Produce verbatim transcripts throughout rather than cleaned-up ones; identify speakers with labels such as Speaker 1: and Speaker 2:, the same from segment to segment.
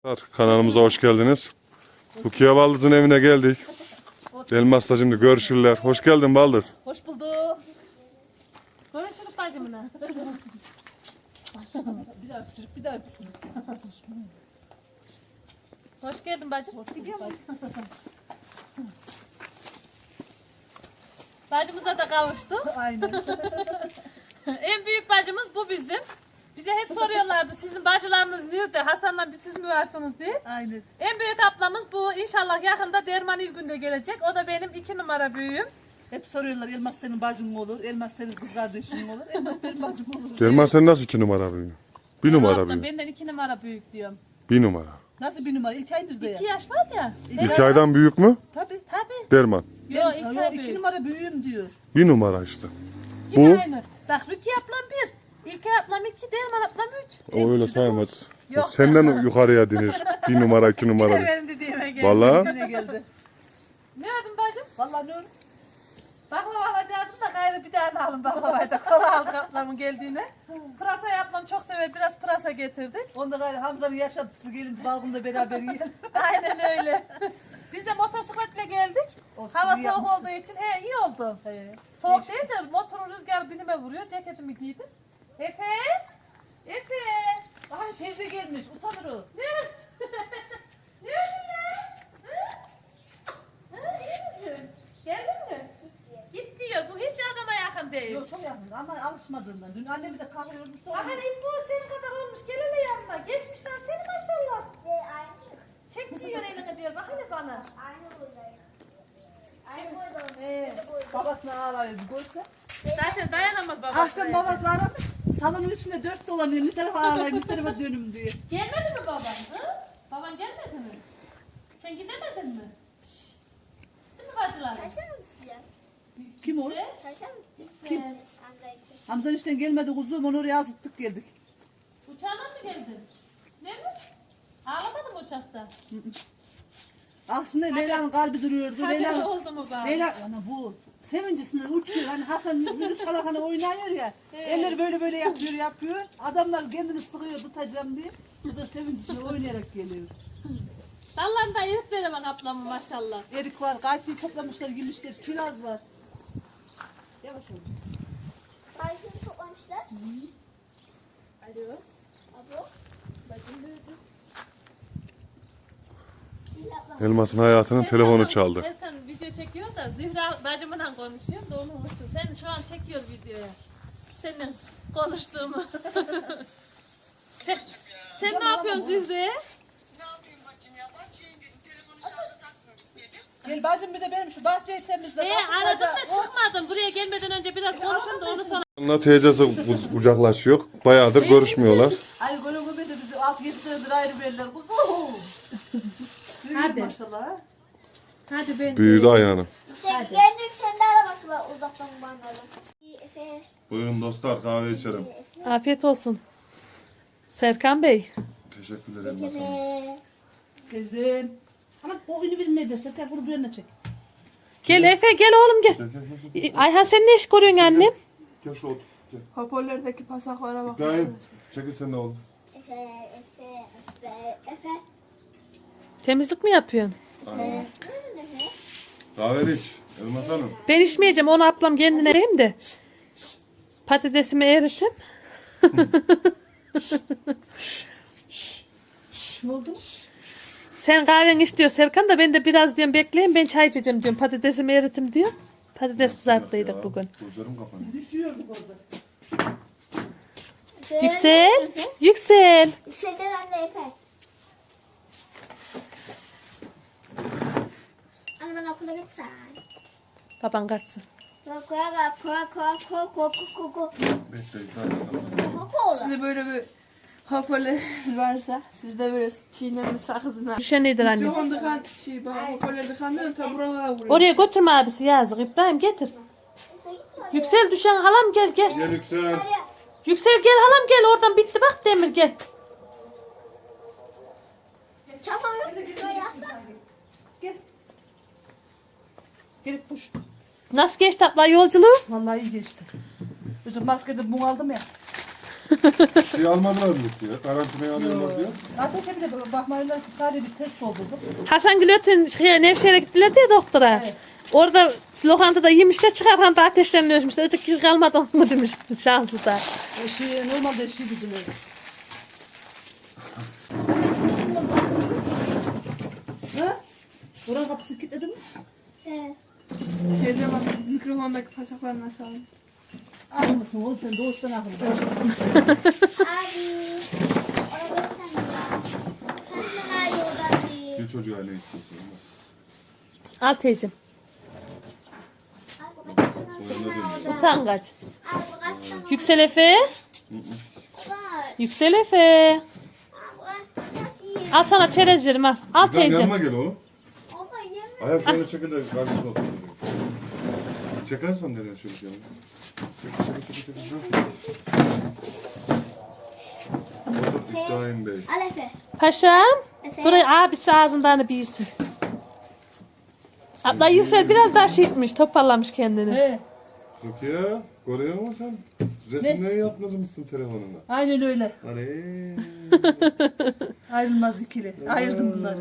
Speaker 1: Kanalımıza hoş geldiniz. Rukiye Baldız'ın evine geldik. Elmas'la şimdi görüşürler. Hoş geldin Baldız.
Speaker 2: Hoş bulduk.
Speaker 3: Görüşürüz bacımla.
Speaker 2: Bir daha küçük, bir daha küçük.
Speaker 3: Hoş geldin bacım.
Speaker 2: Hoş bulduk bacım.
Speaker 3: Bacımıza da kavuştuk.
Speaker 2: Aynen.
Speaker 3: En büyük bacımız bu bizim. Bize hep soruyorlardı sizin bacılarınız nerede? Hasan'la bir siz mi varsınız diye.
Speaker 2: Aynen.
Speaker 3: En büyük ablamız bu. İnşallah yakında Derman İlgün'de gelecek. O da benim iki numara büyüğüm.
Speaker 2: Hep soruyorlar Elmas senin bacın mı olur? Elmas senin kız kardeşin mi olur? Elmas benim bacım olur.
Speaker 1: Derman sen nasıl iki numara büyüğün? Bir numara
Speaker 3: Ablam
Speaker 1: büyüğün.
Speaker 3: benden iki numara büyük diyorum.
Speaker 1: Bir numara.
Speaker 2: Nasıl bir numara? İlk ay nerede ya?
Speaker 3: İki yaş var ya.
Speaker 1: İki aydan büyük mü?
Speaker 2: Tabii.
Speaker 3: Tabii.
Speaker 1: Derman.
Speaker 3: Yok iki
Speaker 2: Yok,
Speaker 3: ay
Speaker 2: iki
Speaker 3: büyük.
Speaker 2: numara büyüğüm diyor.
Speaker 1: Bir numara işte.
Speaker 3: Yine
Speaker 1: Bu
Speaker 3: aynı. Bak Rukiye ablam bir. İlkay ablam iki. Derman ablam üç.
Speaker 1: o öyle sayılmaz.
Speaker 3: Yok.
Speaker 1: Senden yukarıya dinir. Bir numara iki numara.
Speaker 3: Yine benim dediğime geldi.
Speaker 1: Valla
Speaker 2: Yine geldi.
Speaker 3: Ne ördün bacım?
Speaker 2: Vallahi ne olur?
Speaker 3: Baklava alacaktım da gayrı bir tane alın baklavayı da. Kola aldık ablamın geldiğine. Pırasayı ablam çok sever. Biraz pırasa getirdik.
Speaker 2: Onda gayrı Hamza'nın yaşantısı gelince balgında beraber yiyelim.
Speaker 3: Aynen öyle. Biz de motosikletle geldik.
Speaker 2: Olsun,
Speaker 3: Hava
Speaker 2: iyi
Speaker 3: soğuk
Speaker 2: yapmışsın.
Speaker 3: olduğu için he iyi oldu.
Speaker 2: He.
Speaker 3: Soğuk değil de motorun rüzgarı bilime vuruyor. Ceketimi giydim. Efe! Efe!
Speaker 2: Ay teyze gelmiş. Utanır o.
Speaker 3: Ne? Ne ördün ya? Hı? Hı, iyi misin? Geldin mi? Git diyor. Bu hiç adama yakın değil.
Speaker 2: Yok çok yakın ama alışmadığından. Dün annemi de kahve yormuş sonra.
Speaker 3: Bakın İlbo senin kadar olmuş. Gel hele yanıma. Geçmişten seni maşallah. Çek diyor elini diyor. Bak hele bana. Ee,
Speaker 2: Babasına ağlayıyor bir görse.
Speaker 3: zaten dayanamaz babası.
Speaker 2: Akşam babası aramış. Salonun içinde dört dolanıyor. Bir tarafa ağlayın, bir tarafa dönüm diye.
Speaker 3: Gelmedi mi baban? Hı? Baban gelmedi mi? Sen gidemedin mi? Şşş. Değil mi bacılar?
Speaker 2: Kim o?
Speaker 3: Sen?
Speaker 2: Kim?
Speaker 3: Sen.
Speaker 2: Hamza işten gelmedi kuzum. Onu oraya asıttık geldik.
Speaker 3: Uçağına mı geldin? Ne mi? Ağlamadın mı uçakta?
Speaker 2: Aslında Leyla'nın kalbi duruyordu.
Speaker 3: Haberi
Speaker 2: Leyla,
Speaker 3: oldu mu bari?
Speaker 2: Leyla, ana bu sevincisinden uçuyor. Hani Hasan müzik şalakanı oynuyor ya.
Speaker 3: Evet.
Speaker 2: Elleri böyle böyle yapıyor yapıyor. Adamlar kendini sıkıyor tutacağım diye. Bu da sevincisinden oynayarak geliyor.
Speaker 3: Dallarında erik veremem ablamın maşallah.
Speaker 2: Erik var, kayısıyı toplamışlar, yemişler, kiraz var. Yavaş ol.
Speaker 4: Kayısını toplamışlar.
Speaker 2: Alo.
Speaker 4: Abo.
Speaker 2: Bacım büyüdü.
Speaker 1: Elmas'ın hayatının telefonu çaldı.
Speaker 3: Serkan video çekiyor da Zühra bacımla konuşuyor da onu unutsun. Sen şu an çekiyor videoya. Senin konuştuğumu. sen, sen ne yapıyorsun Zühre?
Speaker 2: Gel bacım bir de benim şu bahçeyi temizle.
Speaker 3: Ee,
Speaker 2: Bakın
Speaker 3: aradım da
Speaker 2: baca-
Speaker 3: çıkmadım. Buraya gelmeden önce biraz konuşalım da onu sonra.
Speaker 1: Onunla teyzesi ku- kucaklaşıyor. Bayağıdır görüşmüyorlar.
Speaker 2: Ay golü golü de bizi altı yedi senedir ayrı verirler. Kuzum. Büyüdü
Speaker 3: Hadi.
Speaker 2: maşallah. ha.
Speaker 3: Hadi ben.
Speaker 1: Büyüdü ayağını.
Speaker 4: Yüksek, kendi yükselinde arabası var uzaktan banlarda. Efe.
Speaker 1: Buyurun dostlar kahve içelim.
Speaker 3: Afiyet olsun. Serkan Bey.
Speaker 1: Teşekkürler Elmas Hanım.
Speaker 4: Efe.
Speaker 2: Teyzem. Ama o ünü bilmeyi de Serkan bunu bir yerine çek.
Speaker 3: Gel Efe gel oğlum gel.
Speaker 1: Gel gel gel. gel.
Speaker 3: Ayhan sen ne iş görüyorsun annem?
Speaker 1: Gel şu otur. Gel.
Speaker 5: Hoparlördeki pasaklara bak.
Speaker 1: İbrahim çekil sen de oğlum.
Speaker 4: Efe. Efe. Efe. Efe.
Speaker 3: Temizlik mi yapıyorsun?
Speaker 1: Aynen. Kahve iç Elmas Hanım.
Speaker 3: Ben içmeyeceğim. Onu ablam kendine vereyim de. Patatesimi eritim.
Speaker 2: Ne oldu?
Speaker 3: Sen kahveni iç diyor Serkan da ben de biraz diyorum bekleyin ben çay içeceğim diyorum. Patatesimi eritim diyor. Patates kızarttıydık bugün.
Speaker 1: Gözlerim kapanıyor.
Speaker 2: Düşüyorduk orada.
Speaker 4: Efe.
Speaker 3: Yüksel.
Speaker 4: Efe.
Speaker 3: Yüksel.
Speaker 4: Yükselden anne Efe. Anne ben okula gitsen.
Speaker 3: Baban kaçsın.
Speaker 4: Koy koy koy koy koy koy koy koy
Speaker 1: Bekle İbrahim.
Speaker 4: koy koy.
Speaker 5: Sizde böyle bir hoparlörünüz varsa sizde böyle çiğnenli sakızına.
Speaker 3: Düşen nedir anne?
Speaker 5: Mikrofon dıkan, şey, bak hoparlör dıkandan ta buralara vuruyor.
Speaker 3: Oraya götürme abisi yazık. İbrahim getir. Yüksel düşen halam gel gel.
Speaker 1: Gel Yüksel.
Speaker 3: Yüksel gel halam gel oradan bitti bak Demir gel.
Speaker 4: Tamam yok. Şuraya yazsana.
Speaker 2: Gel. Gelip puş.
Speaker 3: Nasıl geçti abla yolculuğu?
Speaker 2: Vallahi iyi geçti. Bizim maskede bunu aldım ya.
Speaker 1: Şey almadılar mı ya? Karantinaya alıyorlar diyor.
Speaker 2: Ateşe bile bakmayınlar ki sadece bir test oldu.
Speaker 3: Hasan Gülöt'ün şeye, Nevşehir'e gittiler diye doktora.
Speaker 2: Evet.
Speaker 3: Orada lokantada yemişler, çıkarken de ateşlerini ölçmüşler. Öteki kişi kalmadı mı demiş şansı da.
Speaker 2: O şey normalde şey gidiyor. Ha? Buranın kapısını kilitledin mi?
Speaker 4: Evet.
Speaker 5: Teyze bak mikrofondaki paşaklarını açalım.
Speaker 2: Akıllısın oğlum sen doğuştan akıllısın.
Speaker 4: Abi. Orada sen ya. Kaç tane ayı orada değil.
Speaker 1: Bir çocuğa ne istiyorsun?
Speaker 3: Al teyzem.
Speaker 4: Abi kaç tane orada.
Speaker 3: Utangaç.
Speaker 4: Abi kaç tane.
Speaker 3: Yüksel Efe.
Speaker 4: Var.
Speaker 3: Yüksel Efe.
Speaker 4: Abi kaç tane şey.
Speaker 3: Al sana çerez verim al. Al
Speaker 1: Bizden
Speaker 3: teyzem.
Speaker 1: yanıma gel oğlum.
Speaker 4: Orada yeme.
Speaker 1: Ayak şöyle çekil de kardeşine otur. Çekersen nereye şöyle yanıma. Çekil çekil çekil çekil. Otur İbrahim Bey.
Speaker 4: Al Efe.
Speaker 3: Paşam.
Speaker 4: Efe.
Speaker 3: Burayı abisi ağzından bilsin. Abla Yüksel biraz daha şişmiş, toparlamış kendini.
Speaker 2: He.
Speaker 1: Rukiye, görüyor musun sen? Resimleri yapmadırmışsın telefonuna.
Speaker 2: Aynen öyle.
Speaker 1: Hani.
Speaker 2: Ayrılmaz ikili. Ayırdım bunları.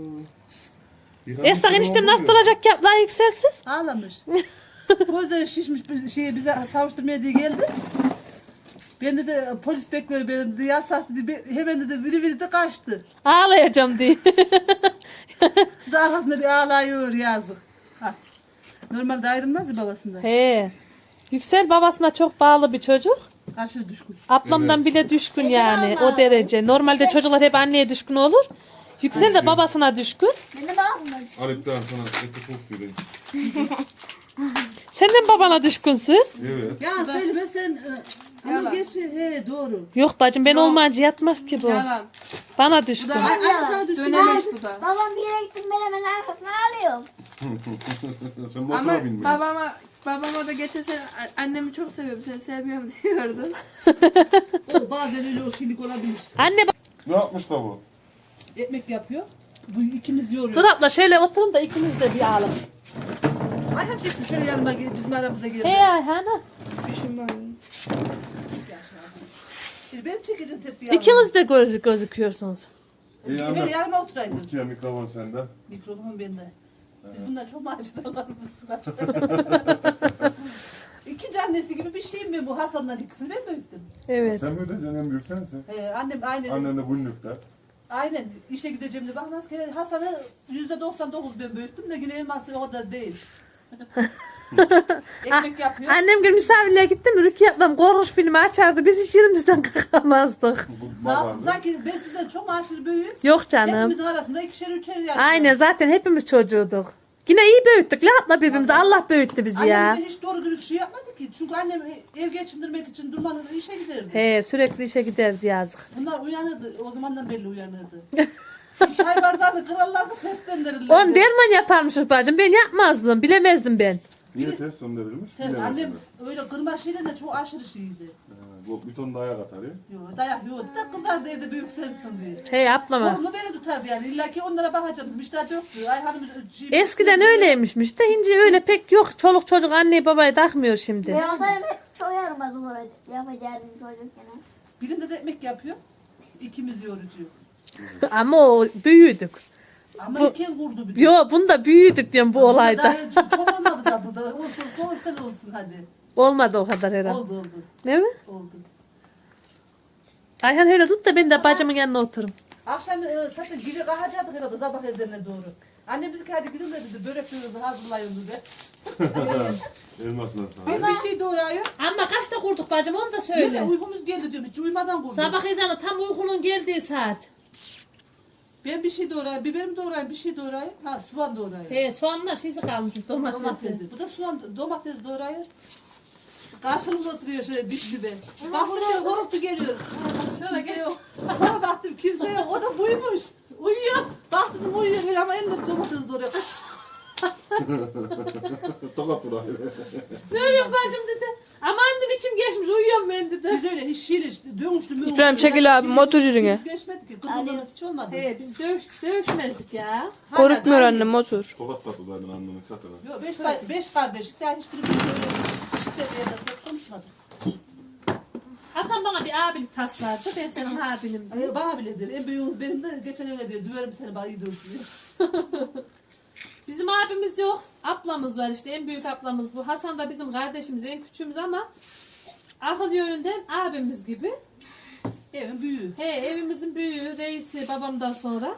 Speaker 3: Esra eniştem nasıl olacak ki abla Yükselsiz?
Speaker 2: Ağlamış. Gözleri şişmiş bir şeye bize savuşturmaya diye geldi. Ben de, de polis bekliyor benim de yasak dedi. Be- Hemen dedi biri biri de kaçtı.
Speaker 3: Ağlayacağım diye.
Speaker 2: Daha arkasında bir ağlıyor yazık. Ha. Normalde ayrılmaz ya babasından.
Speaker 3: He. Yüksel babasına çok bağlı bir çocuk.
Speaker 2: Aşırı düşkün.
Speaker 3: Ablamdan bile düşkün yani o derece. Normalde çocuklar hep anneye düşkün olur. Yüksel de babasına düşkün.
Speaker 4: Ben de bakmadım.
Speaker 1: Alip'ten sana eti çok vereyim.
Speaker 3: Sen de mi babana düşkünsün?
Speaker 1: Evet.
Speaker 2: Ya söyleme sen. e, Ama
Speaker 5: Yalan.
Speaker 2: gerçi he doğru.
Speaker 3: Yok bacım ben olmayınca yatmaz ki bu.
Speaker 5: Yalan.
Speaker 3: Bana düşkün.
Speaker 5: Bu da
Speaker 2: Ay, ay sana düşkün.
Speaker 5: dönemeç bu da.
Speaker 4: Babam bir yere gittim ben hemen arkasına alıyorum.
Speaker 1: Sen motora
Speaker 5: Ama
Speaker 1: binmiyorsun.
Speaker 5: babama babama da geçen sene annemi çok seviyorum seni sevmiyorum diyordu.
Speaker 2: O bazen öyle o şeylik olabilir.
Speaker 3: Anne bak.
Speaker 1: Ne yapmış da bu?
Speaker 2: Ekmek yapıyor. Bu ikimiz yoruyor.
Speaker 3: Dur abla şöyle oturun da ikimiz de bir ağlam.
Speaker 2: Ayhan çeksin şöyle yanıma gel, bizim aramıza gel.
Speaker 3: He Ayhan.
Speaker 5: İşim var.
Speaker 2: Şimdi benim çekeceğim tepki yanıma.
Speaker 3: İkiniz de göz, gözüküyorsunuz.
Speaker 1: İyi
Speaker 2: Ben
Speaker 1: anlat.
Speaker 2: yanıma oturaydın.
Speaker 1: Rukiye mikrofon sende.
Speaker 2: Mikrofon bende. Biz bundan çok maceralarımız var. İkinci annesi gibi bir şeyim ben bu Hasan'dan ikisini ben büyüttüm.
Speaker 3: Evet.
Speaker 1: Sen mi ödeyeceksin en büyük sensin.
Speaker 2: Ee, annem aynen.
Speaker 1: Annen de günlükte.
Speaker 2: Aynen işe gideceğim de bakmaz ki Hasan'ı yüzde doksan dokuz ben büyüttüm de yine elması o da değil. Ekmek yapıyor.
Speaker 3: Annem gün misafirliğe gitti mi Rukiye ablam korkunç filmi açardı. Biz hiç yerimizden kalkamazdık.
Speaker 1: Bu
Speaker 2: Ya,
Speaker 1: babandı.
Speaker 2: sanki ben sizden çok aşırı büyüğüm.
Speaker 3: Yok canım.
Speaker 2: Hepimizin arasında ikişer üçer yaş.
Speaker 3: Aynen zaten hepimiz çocuğuduk. Yine iyi büyüttük la abla birbirimizi. Allah büyüttü bizi ya.
Speaker 2: Annem bize hiç doğru dürüst şey yapmadı ki. Çünkü annem ev geçindirmek için durmadan işe giderdi.
Speaker 3: He sürekli işe giderdi yazık.
Speaker 2: Bunlar uyanırdı. O zamandan belli uyanırdı. Çay bardağını kırarlardı, test döndürürlerdi.
Speaker 3: On derman yaparmışız bacım. Ben yapmazdım. Bilemezdim ben.
Speaker 1: Niye test gönderilmiş?
Speaker 2: Evet,
Speaker 1: Bilemezsin.
Speaker 2: annem öyle kırma şeyden de çok aşırı şeydi.
Speaker 1: Ha, Bu bir ton dayak atar ya.
Speaker 2: Yok dayak yok. Da kızar da evde büyük sensin diye.
Speaker 3: He ablama.
Speaker 2: Sorumlu beni tutardı yani. İlla ki onlara bakacağım. İşte döktü. Ay hanım şey,
Speaker 3: Eskiden öyleymişmiş de şimdi öyle pek yok. Çoluk çocuk anneyi babayı takmıyor şimdi.
Speaker 4: Ben yaparım hep çok yaramaz olur. Yapacağım çocukken.
Speaker 2: Birinde de ekmek yapıyor. İkimiz yorucu.
Speaker 3: Ama o büyüdük.
Speaker 2: Ama
Speaker 3: Bu-
Speaker 2: iken vurdu bir de.
Speaker 3: Yo bunda büyüdük diyorum bu olayda.
Speaker 2: Daha çok olmadı da burada. Olsun son sene olsun hadi.
Speaker 3: Olmadı o kadar herhalde.
Speaker 2: Oldu oldu.
Speaker 3: Değil mi?
Speaker 2: Oldu.
Speaker 3: Ayhan öyle tut da ben de bacımın yanına oturum.
Speaker 2: Akşam e, zaten giri kalkacaktık herhalde sabah ezanına doğru. Annem dedi ki hadi gidin de dedi böreklerinizi hazırlayın dedi.
Speaker 1: Elmasına sana.
Speaker 2: Ben bir şey doğrayıyor.
Speaker 3: Ama kaçta kurduk bacım onu da
Speaker 2: Öyle. Uykumuz geldi diyorum. Hiç uyumadan kurdum.
Speaker 3: Sabah ezanı tam uykunun geldiği saat.
Speaker 2: Ben bir şey doğrayayım. Biberim doğrayayım. Bir şey doğrayayım. Ha soğan doğrayayım.
Speaker 3: He soğanla şeysi kalmış domatesi.
Speaker 2: Domatesi. Bu da soğan domates doğrayıyor. Karşımıza oturuyor şöyle dip dibe. Baktım şöyle horultu geliyor. Şöyle geliyor. Sonra baktım kimse yok. O da buymuş. Uyuyor. Baktım uyuyor ama elinde domates doğruyor.
Speaker 1: Tokat dur abi.
Speaker 3: Ne oluyor bacım dedi. Aman ne biçim geçmiş uyuyorum ben dedi.
Speaker 2: Biz öyle hiç şiir dönüşlü mü?
Speaker 5: İbrahim çekil abi, motor yürüne.
Speaker 2: Geçmedi ki. Kırmızı hiç olmadı.
Speaker 3: He biz dövüş, dövüşmezdik ya.
Speaker 2: Hala
Speaker 5: Korkmuyor
Speaker 2: daha
Speaker 5: annem motor.
Speaker 1: Tokat tatlı zaten annemin çatına.
Speaker 2: Yok beş, beş kardeş. Daha hiçbirimiz öyle işte bir yerde konuşmadık.
Speaker 3: Hasan bana bir abilik taslardı. Ben senin abinim.
Speaker 2: Ay, bana bile der. En büyüğümüz benim de geçen öyle diyor. Düverim seni bana iyi dursun diyor.
Speaker 3: Bizim abimiz yok. Ablamız var işte. En büyük ablamız bu. Hasan da bizim kardeşimiz. En küçüğümüz ama akıl yönünden abimiz gibi.
Speaker 2: Evin büyüğü.
Speaker 3: He, evimizin büyüğü, reisi babamdan sonra.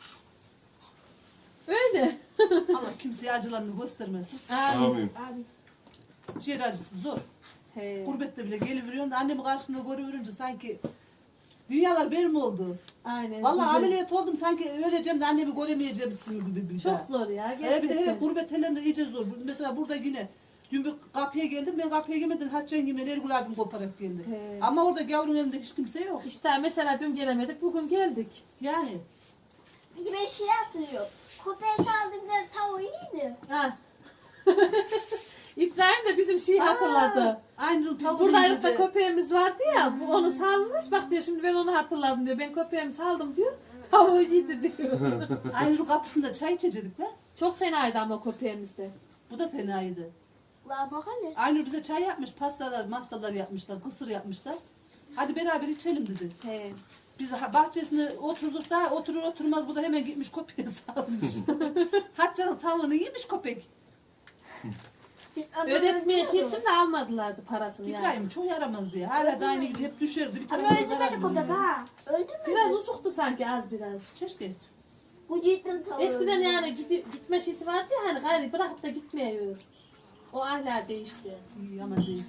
Speaker 3: Öyle.
Speaker 2: Allah kimseye acılarını göstermesin.
Speaker 1: Amin.
Speaker 2: Ciğer acısı zor.
Speaker 3: He.
Speaker 2: Gurbette bile geliveriyorsun da annemi karşında görüverince sanki dünyalar benim oldu.
Speaker 3: Aynen.
Speaker 2: Vallahi
Speaker 3: güzel.
Speaker 2: ameliyat oldum sanki öleceğim de annemi göremeyeceğimsin gibi bir şey.
Speaker 3: Çok zor ya
Speaker 2: Ee, bir de hele
Speaker 3: gerçekten.
Speaker 2: gurbet ellerinde iyice zor. Mesela burada yine dün bir kapıya geldim, ben kapıya gelmedim. Hatice'nin gibi Ergül abim koparak geldi.
Speaker 3: He.
Speaker 2: Ama orada gavurun elinde hiç kimse yok.
Speaker 3: İşte mesela dün gelemedik, bugün geldik.
Speaker 2: Yani.
Speaker 4: Peki ben şey hatırlıyorum. Köpeğe saldığımda tavuğu iyiydi.
Speaker 3: Ha. İbrahim de bizim şeyi hatırladı.
Speaker 2: Aynı
Speaker 3: Biz
Speaker 2: tavuğu
Speaker 3: buradaydık da
Speaker 2: yedi.
Speaker 3: köpeğimiz vardı ya, bu onu salmış. Bak diyor şimdi ben onu hatırladım diyor. Ben köpeğimi saldım diyor. Tavuğu yedi diyor.
Speaker 2: Aynı kapısında çay içecektik de.
Speaker 3: Çok fenaydı ama köpeğimiz de.
Speaker 2: Bu da fenaydı.
Speaker 4: La bak hele.
Speaker 2: Aynur bize çay yapmış, pastalar, mastalar yapmışlar, kısır yapmışlar. Hadi beraber içelim dedi.
Speaker 3: He.
Speaker 2: Biz ha- bahçesine oturduk da oturur oturmaz bu da hemen gitmiş köpeğe salmış. Hatice'nin tavuğunu yemiş köpek.
Speaker 3: Ödetmeye şey ettim de almadılardı parasını yani.
Speaker 2: İbrahim çok yaramaz diye. Hala da aynı gibi hep düşerdi. Bir
Speaker 4: Ama
Speaker 2: tarafına zarar
Speaker 4: öldürmedi köpek
Speaker 2: veriyordu.
Speaker 4: ha. Öldürmedi.
Speaker 3: Biraz uzuktu sanki az biraz.
Speaker 2: Keşke.
Speaker 4: Bu cidden tavuğu.
Speaker 3: Eskiden yani gidi- gitme şeysi vardı ya hani gayri bırakıp da gitmiyor. O ahlak değişti.
Speaker 2: İyi ama değil.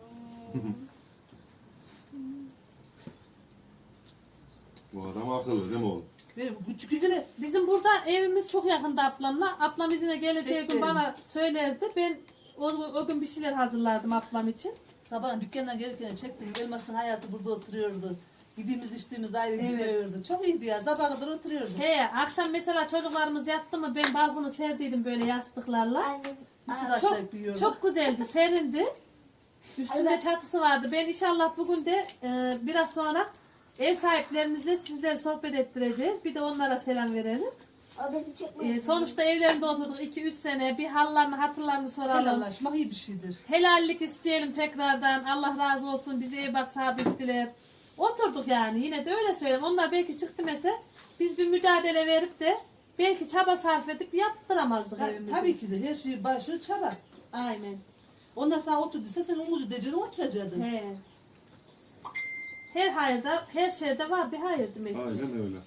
Speaker 1: Bu adam akıllı değil mi oğlum?
Speaker 2: Benim küçük izine
Speaker 3: Bizim burada evimiz çok yakında ablamla. Ablam izine geleceği gün
Speaker 2: Çekti.
Speaker 3: bana söylerdi. Ben o, o gün bir şeyler hazırlardım ablam için.
Speaker 2: sabahın dükkandan gelirken çektim. Elmas'ın hayatı burada oturuyordu. Yediğimiz içtiğimiz ayrı
Speaker 3: Evet.
Speaker 2: gidiyordu. Çok iyiydi ya. Sabaha kadar oturuyordu.
Speaker 3: He, akşam mesela çocuklarımız yattı mı ben balkonu serdiydim böyle yastıklarla.
Speaker 4: Annem.
Speaker 2: Mısır
Speaker 3: Çok,
Speaker 2: açlayıp yiyordu.
Speaker 3: çok güzeldi, serindi. Üstünde
Speaker 4: Evet.
Speaker 3: çatısı vardı. Ben inşallah bugün de e, biraz sonra ev sahiplerimizle sizleri sohbet ettireceğiz. Bir de onlara selam verelim.
Speaker 4: O beni çekmedi.
Speaker 3: E, sonuçta evlerinde oturduk iki üç sene. Bir hallarını hatırlarını soralım.
Speaker 2: Helallaşmak iyi bir şeydir.
Speaker 3: Helallik isteyelim tekrardan. Allah razı olsun. Bizi ev bak sabittiler. Oturduk yani. Yine de öyle söyleyeyim. Onlar belki çıktı mesela. Biz bir mücadele verip de belki çaba sarf edip yaptıramazdık
Speaker 2: Ha,
Speaker 3: evimizi.
Speaker 2: tabii ki de her şey başı çaba.
Speaker 3: Aynen.
Speaker 2: Ondan sonra oturduysa sen umudu diyeceksin oturacaktın.
Speaker 3: He. Her hayırda, her şeyde var bir hayır demek ki.
Speaker 1: Aynen öyle.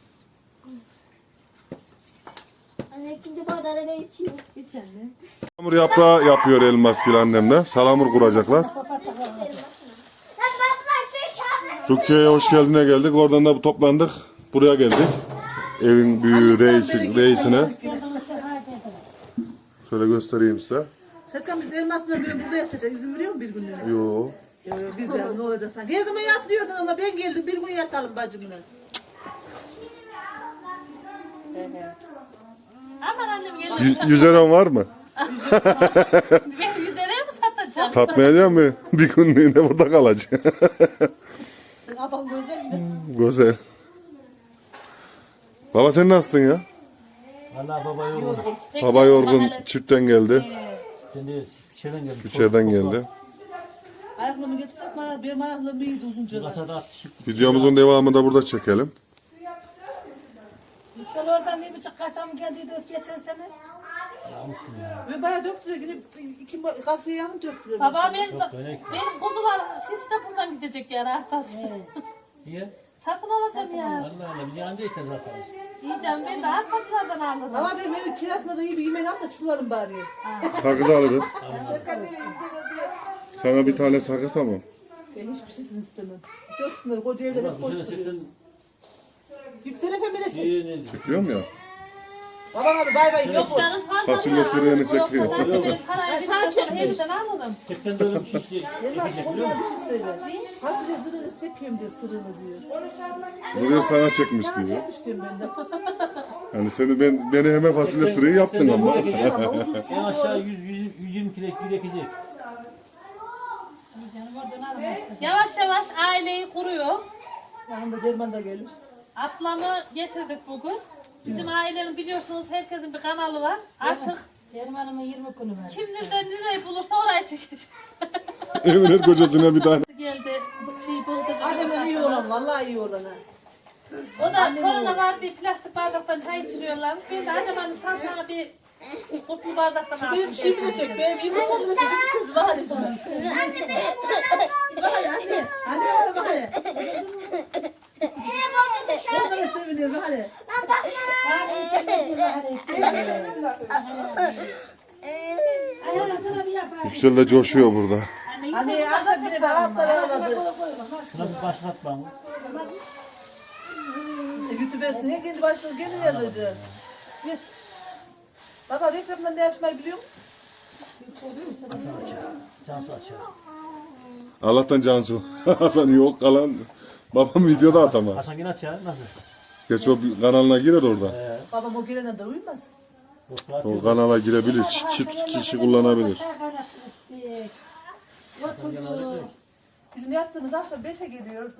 Speaker 4: Anne ikinci bardağı ben içeyim.
Speaker 3: Hiç anne.
Speaker 1: Salamur yaprağı yapıyor Elmasgil annemle. Salamur kuracaklar.
Speaker 4: Lan basma şu şahane.
Speaker 1: Rukiye'ye hoş geldine geldik. Oradan da toplandık. Buraya geldik. Evin büyüğü reisi, reisine. Şöyle göstereyim size.
Speaker 2: Serkan biz elmasla böyle burada yatacak. İzin veriyor mu bir günlüğüne?
Speaker 1: Yo.
Speaker 2: Yo yo biz ya ne olacak sanki. Her zaman yatırıyordun ama ben geldim bir gün yatalım bacımla.
Speaker 3: Aman annem gelin.
Speaker 1: Y- yüz liran var mı?
Speaker 3: Ben yüz liraya mı satacağım?
Speaker 1: Satmayacağım mı? Bir günlüğüne burada kalacak.
Speaker 2: Sen abam gözler mi?
Speaker 1: Güzel. Baba sen nasılsın ya?
Speaker 6: Valla baba yorgun.
Speaker 1: Baba yorgun çiftten geldi.
Speaker 6: Şimdi içeriden geldim.
Speaker 1: İçeriden geldi.
Speaker 2: Ayaklarımı getirsek mi? Benim ayaklarım iyiydi uzunca.
Speaker 6: Kasada atışıp
Speaker 1: Videomuzun devamını da burada çekelim.
Speaker 7: Sen oradan bir buçuk kasam geldiydi geçen sene.
Speaker 6: almışsın ya.
Speaker 2: Ve bayağı döktüler gidip iki kasayı yanı döktüler.
Speaker 3: Baba benim,
Speaker 6: Yok öyle.
Speaker 3: benim kuzular şişi de buradan gidecek yani arkası.
Speaker 6: Niye?
Speaker 3: Satın alacağım ya.
Speaker 6: Allah Allah biz yanınca yeter zaten.
Speaker 3: İyi canım ben de arkadaşlardan aldım.
Speaker 2: Ama benim evin kirasına da iyi bir yemek al da çullarım bari.
Speaker 1: Sakız alırız. Sana bir tane sakız tamam.
Speaker 2: Ben hiçbir şeysini istemem. Döksünler koca evde hep
Speaker 6: Bu sene
Speaker 2: koşturuyor.
Speaker 6: seksen
Speaker 2: Yüksel efendim de çek.
Speaker 6: iyi ne?
Speaker 1: Çekiyorum ya.
Speaker 2: Baba abi bay bay yok
Speaker 3: Yok
Speaker 2: olsun.
Speaker 3: canım fazla.
Speaker 1: Fasulye sürüğünü çekiyor.
Speaker 3: Ben parayı
Speaker 2: Sen
Speaker 3: ben evden alırım.
Speaker 6: seksen dört bir şey işte.
Speaker 2: Elmas
Speaker 6: Ekecek biliyor
Speaker 2: kocaman
Speaker 6: musun?
Speaker 2: bir şey söyle. Fasulye zırhını çekiyorum diyor sırrını diyor.
Speaker 1: Bu diyor sana çekmiş
Speaker 2: Sana
Speaker 1: diyor.
Speaker 2: çekmiş diyorum ben de.
Speaker 1: Yani seni ben beni hemen fasulye sürüğü yaptın ama.
Speaker 2: Ama uzun
Speaker 6: En aşağı yüz, yüz, yüz yirmi kilo bir ekecek.
Speaker 3: Yavaş yavaş aileyi kuruyor.
Speaker 2: yanında derman da gelir.
Speaker 3: Ablamı getirdik bugün. Bizim ailenin biliyorsunuz herkesin bir kanalı var. Artık
Speaker 7: Dermanımın yirmi günü var.
Speaker 3: kim nereden nereyi bulursa orayı çekecek.
Speaker 1: Evin her kocasına bir tane.
Speaker 3: geldi. Bu Şey buldu.
Speaker 2: Acaba iyi olan, vallahi iyi olan ha.
Speaker 3: O da korona var diye plastik bardaktan çay içiriyorlarmış. Ben de acaba sen sana bir kuplu bardaktan alsın.
Speaker 2: Benim şeyimi çek, benim yumurtamı çek. Bir kız var ya şuna. Bak anne, anne bak hele.
Speaker 4: Yine boynu dışarı.
Speaker 2: O kadar seviniyor bak hele.
Speaker 4: Ben basmana.
Speaker 1: Yüksel de coşuyor burada.
Speaker 2: Hani akşam bile ben altlara aladı.
Speaker 6: Şuna bir başlat bana.
Speaker 2: YouTuber'sin ya kendi başına kendi yazacak. Git. Baba reklamdan ne açmayı biliyor musun?
Speaker 6: Hasan açar. Cansu açar.
Speaker 1: Allah'tan Cansu. Hasan yok kalan. Babam videoda atamaz.
Speaker 6: Hasan yine açar. Nasıl?
Speaker 1: Gerçi o bir kanalına girer orada.
Speaker 2: Babam o gelene de uyumaz.
Speaker 6: Yoksa
Speaker 1: O kanala girebilir. Çift, çift kişi kullanabilir.
Speaker 6: Hasan yine alır.
Speaker 2: Bizim yattığımız akşam beşe geliyor.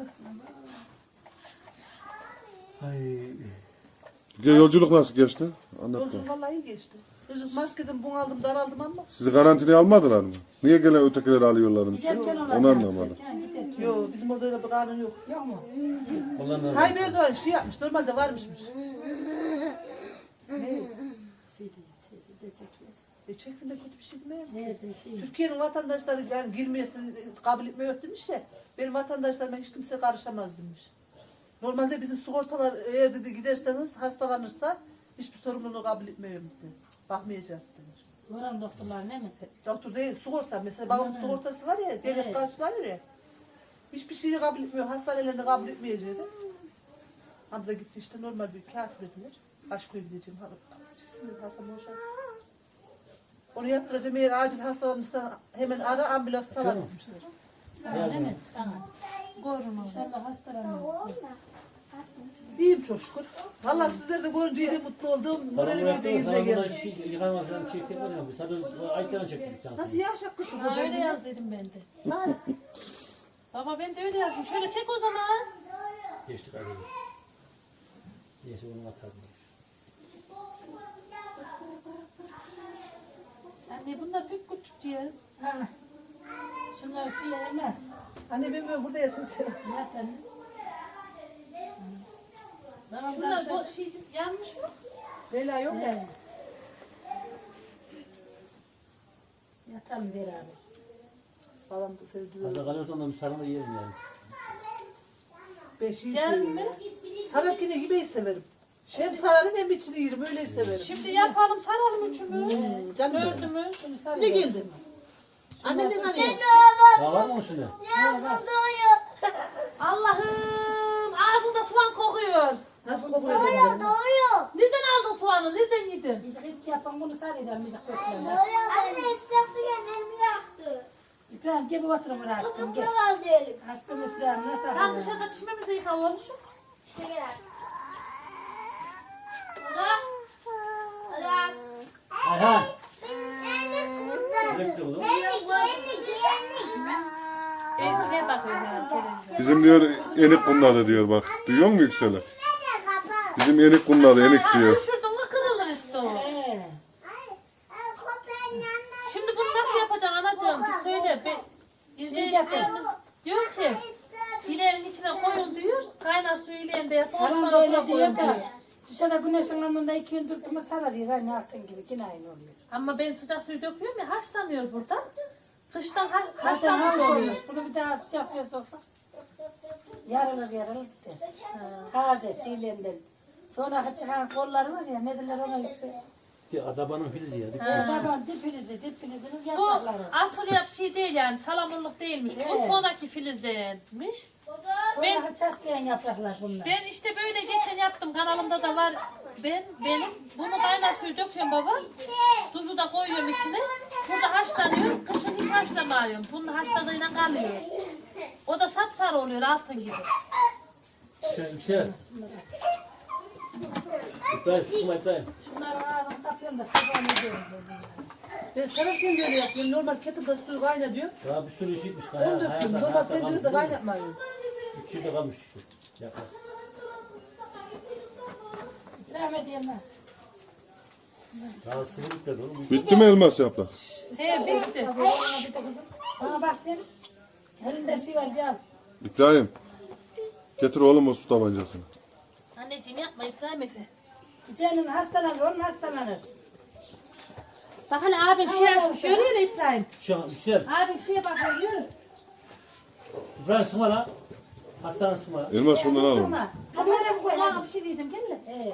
Speaker 6: Ay.
Speaker 1: Ya yolculuk nasıl geçti? Anlat
Speaker 2: Yolculuk
Speaker 1: bakalım.
Speaker 2: vallahi iyi geçti. Çocuk maskeden bunaldım daraldım ama.
Speaker 1: Sizi karantinaya almadılar mı? Niye gelen ötekileri alıyorlarmış? Onu anlamadım.
Speaker 2: Yok bizim orada öyle bir kanun yok.
Speaker 6: Ondan
Speaker 2: Tayyip Erdoğan şey yapmış normalde varmışmış. Ne? E çeksin de kötü bir şey değil mi? Türkiye'nin vatandaşları yani girmeyesini kabul etmiyor demiş ya. Benim vatandaşlarıma hiç kimse karışamaz demiş. Normalde bizim sigortalar eğer dedi giderseniz hastalanırsa hiçbir sorumluluğu kabul etmiyorum dedi. Bakmayacak demiş.
Speaker 7: Oran doktorlar ne mi?
Speaker 2: Doktor değil sigorta. Mesela babamın sigortası var ya devlet
Speaker 7: Evet.
Speaker 2: karşılıyor ya. Hiçbir şeyi kabul etmiyor. Hastanelerini kabul etmeyeceği de. Hamza gitti işte normal bir kağıt verdiler. Aşko'ya gideceğim. Çıksın Hasan boşalsın. Onu yaptıracağım eğer acil hastalanırsa hemen ara ambulans sana gitmişler.
Speaker 7: Sana değil mi? Sana. Korun İnşallah hastalanmıyor.
Speaker 2: İyiyim çok şükür. Vallahi sizler de görünce iyice mutlu oldum. Moralim iyice yerine geldi.
Speaker 6: Şey, yıkanma falan çektik var ya. Sadece ayıklarını çektik Cansu.
Speaker 2: Nasıl yağış akmış şu
Speaker 3: Ha,
Speaker 2: hocam?
Speaker 3: öyle yaz dedim ben de.
Speaker 2: Lan.
Speaker 3: Baba ben de öyle yazdım. Şöyle çek o zaman.
Speaker 6: Geçtik hadi. Neyse onu atardım.
Speaker 3: Anne bunlar pek küçük ciğer.
Speaker 7: Ha. Şunlar şey yemez.
Speaker 2: Anne ben böyle burada yatacağım.
Speaker 7: Zaten.
Speaker 3: Şunlar bu şey yanmış mı?
Speaker 2: Leyla yok ya.
Speaker 7: Yatalım beraber.
Speaker 2: Babam da sevdiği.
Speaker 6: Hadi kalıyorsan da bir sarma yiyelim yani.
Speaker 2: Ben şeyi
Speaker 3: Yarın
Speaker 2: seviyorum.
Speaker 3: mı?
Speaker 2: Sarık yine yemeği severim. Hem sararım hem içini yerim öyle severim.
Speaker 3: Şimdi yapalım saralım üçümü.
Speaker 2: Canım
Speaker 3: Dördü mü?
Speaker 2: ne geldin? Annemin hani.
Speaker 6: Daha var mı onun şimdi?
Speaker 3: Allah'ım ağzımda soğan kokuyor.
Speaker 2: Nasıl kokuyor?
Speaker 4: Doğuyor.
Speaker 3: Nereden aldın soğanı? Nereden yedin?
Speaker 7: Biz hiç yapan bunu saracağım. Biz köklerine.
Speaker 4: Anne sıcak su ellerimi yaktı.
Speaker 7: İbrahim gel bir oturun buraya aşkım.
Speaker 4: Kıpkı
Speaker 7: Gel.
Speaker 4: kaldı elim.
Speaker 7: Aşkım İbrahim nasıl
Speaker 3: Tam
Speaker 7: yapalım?
Speaker 3: dışarıda çişmemizi yıkamışım.
Speaker 4: İşte gel. Allah. Allah.
Speaker 6: Ayhan.
Speaker 4: Anne kızım.
Speaker 6: Bekle oğlum.
Speaker 4: Geldik geldik geldik.
Speaker 3: Ben şeye bakıyorum ya televizyon.
Speaker 1: Bizim diyor enik kunladı diyor bak. Duyuyor musun Yüksel'i?
Speaker 4: Nerede kapat?
Speaker 1: Bizim enik kunladı enik
Speaker 3: Ha,
Speaker 1: diyor.
Speaker 3: düşürdün mü kırılır işte o.
Speaker 7: Ee,
Speaker 4: Ay, köpeğin yanına
Speaker 3: Şimdi bunu nasıl yapacaksın anacığım? Bir söyle. Be, izleyicilerimiz diyor ki ilerin içine koyun diyor. Kaynar suyu ileğinde yapın.
Speaker 7: Tamam
Speaker 3: Sonra
Speaker 7: böyle
Speaker 3: buna koyun
Speaker 7: diyor
Speaker 3: diyor.
Speaker 7: da. Dışarıda güneşin altında iki gün durduğumu sararıyor. Aynı altın gibi. Yine aynı oluyor.
Speaker 3: Ama ben sıcak suyu döküyorum ya haşlanıyor burada. Kıştan haş,
Speaker 7: Zaten
Speaker 3: haşlanmış
Speaker 7: haş
Speaker 3: oluyor.
Speaker 7: oluyor. Bunu bir daha sıcak suya soksak. Yarılır yarılır biter. Taze şeylerinden. Sonra çıkan kolları var ya ne derler ona yüksek.
Speaker 6: Adabanın filizi ya.
Speaker 7: Tamam dip filizi dip filizinin
Speaker 3: Bu
Speaker 7: yaprakları.
Speaker 3: asıl yap şey değil yani salamurluk değilmiş. Bu
Speaker 7: Evet.
Speaker 3: sonraki filizlenmiş. Ben-
Speaker 7: Sonra çatlayan yapraklar bunlar.
Speaker 3: Ben işte böyle geçen yaptım kanalımda da var. Ben benim bunu kaynar suyu döküyorum baba. Tuzu da koyuyorum içine. Burada haşlanıyor. Kışın hiç haşlamıyorum. Bunun haşladığıyla kalıyor. O da sapsarı oluyor altın gibi.
Speaker 6: Yüksel, yüksel. İbrahim, sıkma İbrahim.
Speaker 7: Şunların ağzını kapıyorum da sabahını ediyorum.
Speaker 2: Ben sararken de öyle yapıyorum. Normal kettle'da suyu kaynatıyor.
Speaker 6: Daha bir sürü işitmiş.
Speaker 2: Onu döktüm. Normal tencerede kaynatmıyorum.
Speaker 6: İki şurada kalmış şu. Yakar.
Speaker 7: Rahmet yemez.
Speaker 6: Daha sıvı bitmedi oğlum.
Speaker 1: Bitti mi elmas yaprak?
Speaker 3: He bitti.
Speaker 7: Bana bir de kızım. Bana bak sen. Elinde şey var gel.
Speaker 1: İbrahim. Getir oğlum o su tabancasını.
Speaker 3: Anneciğim yapma İbrahim Efe.
Speaker 7: Senin hastalanır, onun hastalanır.
Speaker 3: Bak hele abi şey açmış görüyor ya İbrahim.
Speaker 6: Şu an yüksel.
Speaker 3: Abi şeye bakıyor yürü.
Speaker 6: İbrahim sıma la. Hastanın sıma la.
Speaker 1: Elmas ondan al onu.
Speaker 7: Durma. Kamerayı koy
Speaker 3: Kulağına
Speaker 7: hadi.
Speaker 3: bir şey diyeceğim gel de.
Speaker 7: He.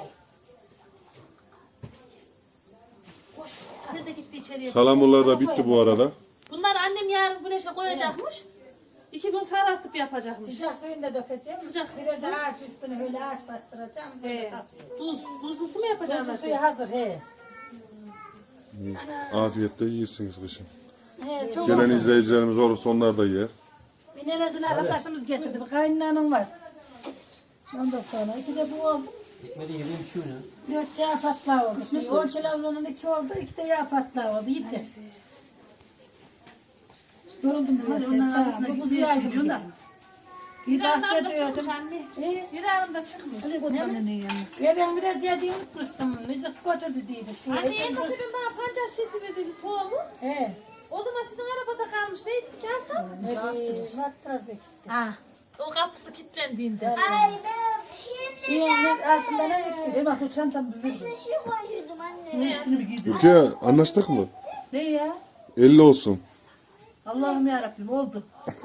Speaker 3: Koş. Sen de gitti içeriye.
Speaker 1: Salamurlar da bitti bu arada.
Speaker 3: Bunlar annem yarın güneşe koyacakmış. İki gün sarartıp yapacakmış.
Speaker 7: Sıcak suyunu da dökeceğim.
Speaker 3: Sıcak.
Speaker 7: Biraz da ağaç üstüne öyle ağaç bastıracağım. Böyle
Speaker 3: He.
Speaker 7: tatlı.
Speaker 3: Buz, buzlu su mu yapacaksın?
Speaker 7: Buzlu suyu hazır he.
Speaker 1: Afiyetle yiyirsiniz kışın.
Speaker 7: He çok
Speaker 1: Gelen
Speaker 7: hazır.
Speaker 1: izleyicilerimiz olursa onlar da yer.
Speaker 7: Bir nenezin arkadaşımız getirdi. Bir kaynanam var. Ondan sonra iki de bu oldu.
Speaker 6: Ekmedi yediğim bir şey oyna.
Speaker 7: Dört yağ patlağı oldu. Şey, on kiloğunun iki oldu. İki de yağ patlağı oldu. Yeter. Yoruldum biraz.
Speaker 2: Hadi onların
Speaker 7: Tamam,
Speaker 2: arasına
Speaker 7: bu
Speaker 2: gitmeye
Speaker 7: kuzuyu
Speaker 2: şey diyorsun da.
Speaker 7: Bir
Speaker 3: Bir
Speaker 7: bahçe
Speaker 3: arada çıkmış
Speaker 7: diyordum.
Speaker 3: anne.
Speaker 7: He.
Speaker 3: Bir arada çıkmış.
Speaker 2: Annenin yanına.
Speaker 7: Ya ben biraz yediği unutmuştum. Müzik götürdü diye. Şey,
Speaker 3: Anne
Speaker 7: Ecem
Speaker 3: en
Speaker 7: kız-
Speaker 3: ben bana pancar şişesi verdi bir tohumu.
Speaker 7: He.
Speaker 3: O zaman sizin arabada kalmış. Ne ettik Hasan?
Speaker 7: Ne Matras bekliyor.
Speaker 3: Ha. O kapısı kilitlendiğinde.
Speaker 4: Ay ben şimdi
Speaker 7: Şeyin aslında ne geçiyor?
Speaker 2: E bak o çantamı bir ver.
Speaker 4: bir şey koyuyordum anne.
Speaker 2: Üstünü bir giydim.
Speaker 1: Rukiye anlaştık mı?
Speaker 2: Ne ya?
Speaker 1: elli olsun.
Speaker 2: Allah'ım yarabbim oldu.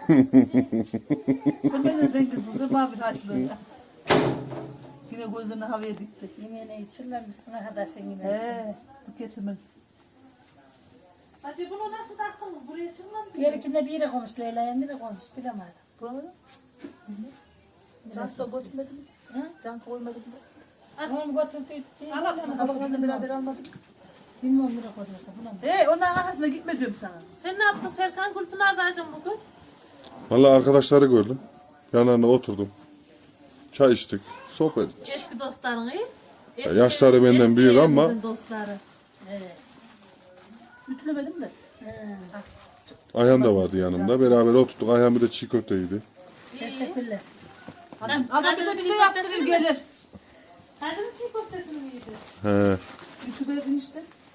Speaker 2: Sırmayla zenginsin, sırma bir haçlı. Yine gözlerini havaya dikti.
Speaker 7: Yemeğine içirmemişsin arkadaşın yine.
Speaker 2: He, bu ketimin.
Speaker 3: Hacı bunu nasıl taktınız? Buraya çıkmadı.
Speaker 7: Bir ikinde bir yere koymuş Leyla'ya, nereye koymuş bilemedim.
Speaker 2: Buraları? Can da götürmedim.
Speaker 7: Hı?
Speaker 2: Can koymadım.
Speaker 7: Onu götürdü. Şey,
Speaker 2: Allah kabaklarını beraber almadık.
Speaker 7: Bilmiyorum nereye koyduysa. Buna mı?
Speaker 2: Hey, onların arkasına gitme diyorum sana.
Speaker 3: Sen ne yaptın Serkan? Gülpınar'daydın bugün.
Speaker 1: Vallahi arkadaşları gördüm. Yanlarına oturdum. Çay içtik. Sohbet ettik.
Speaker 3: Eski dostların iyi.
Speaker 1: Ya yaşları benden
Speaker 3: eski
Speaker 1: büyük ama-
Speaker 3: yerimizin dostları.
Speaker 2: Ütülemedim de.
Speaker 1: Ayhan da vardı yanımda. Beraber oturduk. Ayhan bir de çiğ köfte yedi.
Speaker 7: Teşekkürler.
Speaker 2: Adam, adam
Speaker 3: hadi
Speaker 2: bir de
Speaker 3: bir
Speaker 2: bir şey
Speaker 3: köftesini
Speaker 2: yaptırır
Speaker 3: mi?
Speaker 2: gelir.
Speaker 3: Kadın çiğ köftesini mi yedi?
Speaker 1: He.
Speaker 2: Ütülerin işte.